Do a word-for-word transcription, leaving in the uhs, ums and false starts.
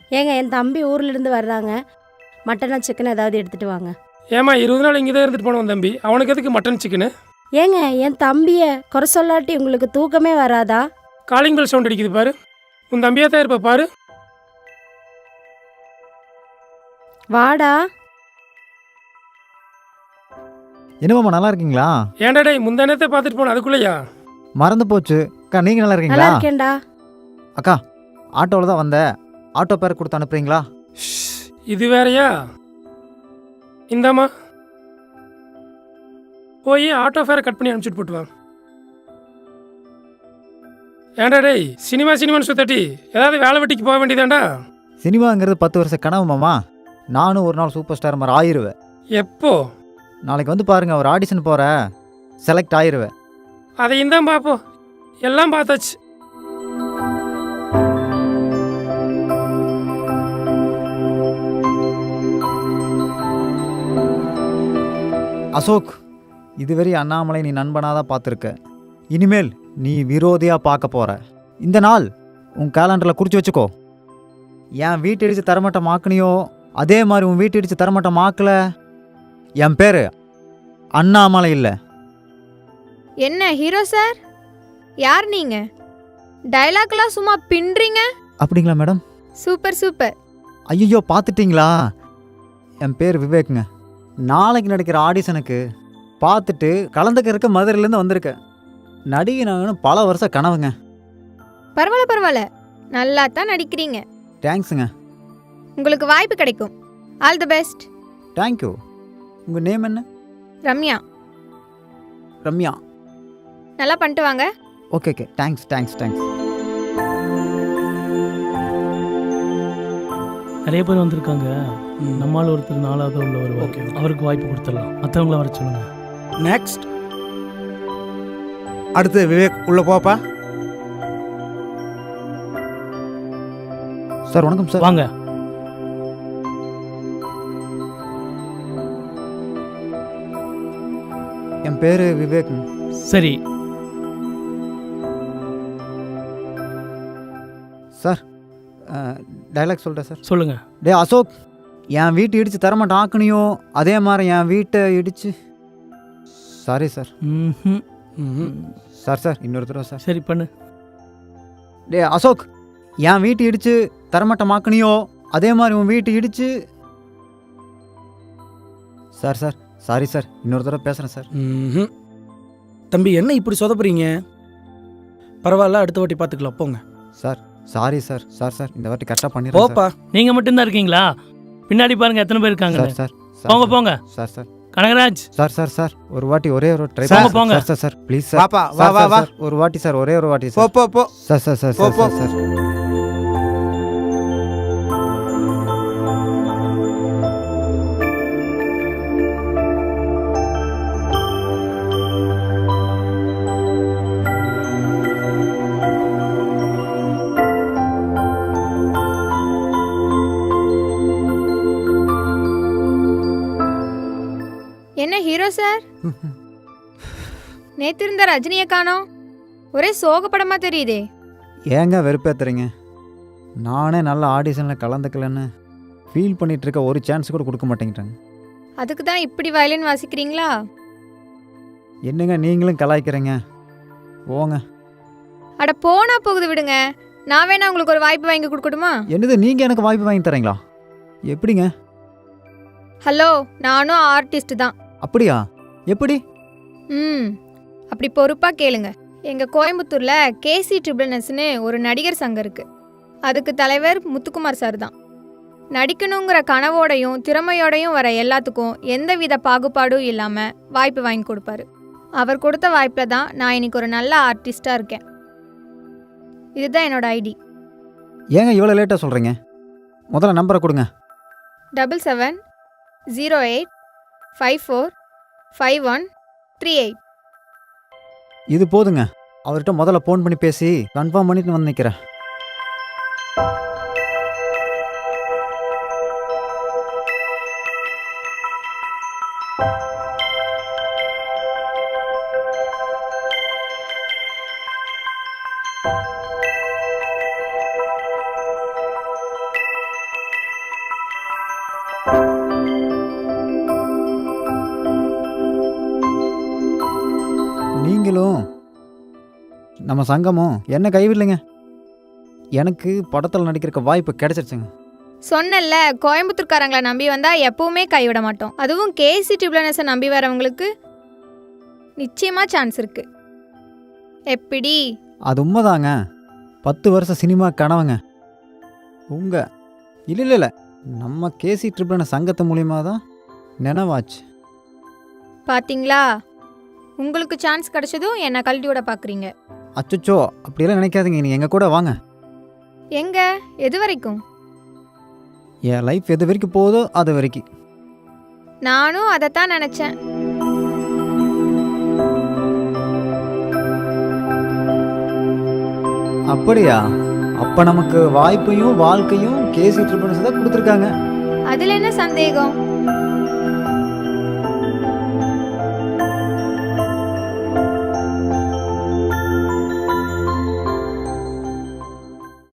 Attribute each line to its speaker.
Speaker 1: ஏங்க என் தம்பி ஊர்லேருந்து வர்றாங்க, மட்டனா சிக்கன் ஏதாவது எடுத்துகிட்டு வாங்க.
Speaker 2: ஏமா இருபது நாள் இங்கே தான் இருந்துட்டு போனவன் தம்பி, அவனுக்கு எதுக்கு மட்டன் சிக்கனு?
Speaker 1: ஏங்க என் தம்பியை குறை சொல்லாட்டி உங்களுக்கு தூக்கமே வராதா?
Speaker 2: காலிங் பெல் சவுண்ட் அடிக்குது பாரு, உன் தம்பியாக தான் இருப்ப பாரு.
Speaker 1: வாடா.
Speaker 3: என்னமாம்மா நல்லா இருக்கீங்களா?
Speaker 2: ஏன்டா டேய் முந்தா நேரத்தை பார்த்துட்டு போன அதுக்குள்ளேயா?
Speaker 3: மறந்து போச்சு. அக்கா நீங்கள் நல்லா
Speaker 1: நல்லா
Speaker 3: இருக்கீங்களா?
Speaker 1: இருக்கேன்டா.
Speaker 3: அக்கா ஆட்டோவில் தான் வந்தேன், ஆட்டோ பேர் கொடுத்து அனுப்புறீங்களா?
Speaker 2: இது வேறயா? இந்தாம்மா போய் ஆட்டோ ஃபேரை கட் பண்ணி அனுப்பிச்சுட்டு போட்டு வாங்க. ஏன்டா டேய் சினிமா சினிமான்னு சுத்தட்டி ஏதாவது வேலை வெட்டிக்கு போக வேண்டியதாண்டா?
Speaker 3: சினிமாங்கிறது பத்து வருஷம் கனவு மாமா. நானும் ஒரு நாள் சூப்பர் ஸ்டார் மாதிரி ஆயிடுவேன்.
Speaker 2: எப்போ?
Speaker 3: நாளைக்கு வந்து பாருங்க, ஒரு ஆடிஷன் போகிறேன், செலக்ட் ஆயிடுவேன்.
Speaker 2: அதையும் தான் பார்ப்போம், எல்லாம் பார்த்தாச்சு.
Speaker 3: அசோக், இதுவரை அண்ணாமலை நீ நண்பனாக தான் பார்த்துருக்க, இனிமேல் நீ விரோதியாக பார்க்க போகிற. இந்த நாள் உன் கேலண்டரில் குறித்து வச்சுக்கோ. என் வீட்டு இடித்து தரமட்டம் ஆக்குனியோ அதே மாதிரி உன் வீட்டு இடித்து தரமட்டம் ஆக்கல, என் பேர் அண்ணாமலை இல்லை.
Speaker 4: என்ன ஹீரோ சார், யார் நீங்க? டைலாக்லாம் சும்மா பின்றீங்க.
Speaker 3: அப்படிங்களா மேடம்?
Speaker 4: Super super.
Speaker 3: ஐயோ பார்த்துட்டிங்களா? என் பேர் விவேக்குங்க. நாளைக்கு நடக்கிற ஆடிஷனுக்கு பார்த்துட்டு கலந்துக்கிறதுக்கு மதுரையிலேருந்து வந்திருக்கேன். நடிகை நாங்கன்னு பல வருஷம் கனவுங்க.
Speaker 4: பரவாயில்ல பரவாயில்ல, நல்லா தான் நடிக்கிறீங்க.
Speaker 3: தேங்க்ஸுங்க.
Speaker 4: உங்களுக்கு வாய்ப்பு கிடைக்கும். All the best.
Speaker 3: தேங்க்யூ. உங்கள் நேம் என்ன?
Speaker 4: ரம்யா.
Speaker 3: ரம்யா.
Speaker 4: நல்லா பண்ணிட்டு வாங்க.
Speaker 3: Okay okay thanks thanks thanks.
Speaker 5: நிறைய பேர் வந்திருக்காங்க. நம்மால் ஒருத்தர் நாலாவது உள்ள வருவார், அவருக்கு வாய்ப்பு கொடுத்துடலாம். மற்றவங்கள வர சொல்லுங்க.
Speaker 6: நெக்ஸ்ட். அடுத்து விவேக் உள்ள போப்பா.
Speaker 3: சார் வணக்கம் சார்.
Speaker 5: வாங்க.
Speaker 3: என் பேர் விவேக்.
Speaker 5: சரி
Speaker 3: சார், டைலாக் சொல்கிறேன் சார்.
Speaker 5: சொல்லுங்க.
Speaker 3: டே அசோக், என் வீட்டை இடித்து தரமாட்டேன் ஆக்கணியோ அதே மாதிரி என் வீட்டை இடிச்சு. Sorry sir.
Speaker 5: ம்
Speaker 3: சார் சார் இன்னொரு தடவை சார்.
Speaker 5: சரி பண்ணு.
Speaker 3: டே அசோக், என் வீட்டை இடித்து தரமாட்டம் ஆக்கணியோ அதே மாதிரி உன் வீட்டை இடிச்சு. சார் சார் சாரி சார், இன்னொரு தடவை பேசுகிறேன் சார்.
Speaker 6: ம்ஹும். தம்பி என்ன இப்படி சொதப்புறீங்க? பரவாயில்ல, அடுத்த வாட்டி பார்த்துக்கலாம் போங்க.
Speaker 3: Sir sorry sir. Sir sir இந்த வாட்டி கரெக்டாக பண்ணிடுறேன்
Speaker 6: போப்பா.
Speaker 5: நீங்க மட்டும்தான் இருக்கீங்களா? பின்னாடி பாருங்க எத்தனை பேர் இருக்காங்க.
Speaker 3: சார். சார்
Speaker 5: போங்க போங்க.
Speaker 3: Sir sir
Speaker 5: Kanagaraj.
Speaker 3: Sir sir sir ஒரு வாட்டி ஒரே ஒரு ட்ரை
Speaker 5: போங்க போங்க.
Speaker 3: Sir sir sir please sir.
Speaker 6: வாப்பா வா வா வா.
Speaker 3: ஒரு வாட்டி சார், ஒரே ஒரு வாட்டி
Speaker 6: போ
Speaker 3: சார்.
Speaker 6: போ போ.
Speaker 3: சார் சார் சார்
Speaker 6: போ, போ.
Speaker 3: Sir sir.
Speaker 4: என்ன ஹீரோ சார், நேத்து இருந்த ரஜினியை காணோம். ஒரே சோகப்படமா தெரியுதே.
Speaker 3: ஏங்க வெறுப்பேத்துறீங்க? நானே நல்ல ஆடிஷனில் கலந்துக்கலன்னு ஃபீல் பண்ணிட்டு இருக்க, ஒரு சான்ஸ் கூட கொடுக்க மாட்டேங்கிட்டாங்க.
Speaker 4: அதுக்கு தான் இப்படி வயலின் வாசிக்கிறீங்களா?
Speaker 3: என்னங்க நீங்களும் கலாய்க்கிறீங்க, போங்க.
Speaker 4: அட போனா போகுது விடுங்க. நான் வேணா உங்களுக்கு ஒரு வாய்ப்பு வாங்கி கொடுக்கட்டுமா?
Speaker 3: என்னது நீங்கள் எனக்கு வாய்ப்பு வாங்கி தரீங்களா? எப்படிங்க?
Speaker 4: ஹலோ, நானும் ஆர்டிஸ்ட் தான்.
Speaker 3: அப்படியா? எப்படி?
Speaker 4: ம் அப்படி பொறுப்பா கேளுங்க. எங்க கோயம்புத்தூர்ல கேசி ட்ரிபிள்னஸ்னு ஒரு நடிகர் சங்கம் இருக்கு. அதுக்கு தலைவர் முத்துக்குமார் சார் தான். நடிக்கணுங்கிற கனவோடையும் திறமையோடையும் வர எல்லாத்துக்கும் எந்தவித பாகுபாடும் இல்லாம வாய்ப்பு வாங்கி கொடுப்பாரு. அவர் கொடுத்த வாய்ப்பில் தான் நான் இன்னைக்கு ஒரு நல்ல ஆர்டிஸ்டா இருக்கேன். இதுதான் என்னோட ஐடி.
Speaker 3: ஏங்க இவ்வளோ லேட்டாக சொல்கிறீங்க? முதல்ல நம்பரை கொடுங்க.
Speaker 4: Double seven zero eight five four five one three eight.
Speaker 3: இது போதுங்க. அவர்கிட்ட முதல்ல ஃபோன் பண்ணி பேசி கன்ஃபார்ம் பண்ணிட்டு வந்து நிற்கிறேன். நீங்களும் நம்ம சங்கமும் என்ன கைவிடலைங்க. எனக்கு படத்தில் நடிக்கிறக்க வாய்ப்பு கிடைச்சிருச்சுங்க.
Speaker 4: சொன்னல, கோயம்புத்தூர்காரங்களை நம்பி வந்தா எப்பவுமே கைவிட மாட்டோம். அதுவும் கேசி ட்ரிபிள்என்எஸை நம்பி வரவங்களுக்கு நிச்சயமா சான்ஸ் இருக்கு. எப்படி?
Speaker 3: அது உண்மைதாங்க. பத்து வருஷம் சினிமா கனவுங்க. உங்க இல்லை இல்லை இல்லை நம்ம கேசி ட்ரிபிள்என்எஸ் சங்கத்து மூலியமாக தான் நினைவாச்சு.
Speaker 4: பாத்தீங்களா, உங்களுக்கு சான்ஸ் கிடைச்சதும் என்ன கழட்டி விட பாக்குறீங்க.
Speaker 3: அச்சோ அப்படியெல்லாம் நினைக்காதீங்க. நீங்கள் எங்கள் கூட வாங்க.
Speaker 4: எங்க? எது வரைக்கும்?
Speaker 3: என் லைஃப் எது வரைக்கும் போதோ அது வரைக்கும்.
Speaker 4: நானும் அதைத்தான் நினைச்சேன்.
Speaker 3: அப்படியா? அப்போ நமக்கு வாய்ப்பையும் வாழ்க்கையும் கேசி ட்ரிபிள்என்எஸ் தான் கொடுத்துருக்காங்க.
Speaker 4: அதுல என்ன சந்தேகம்?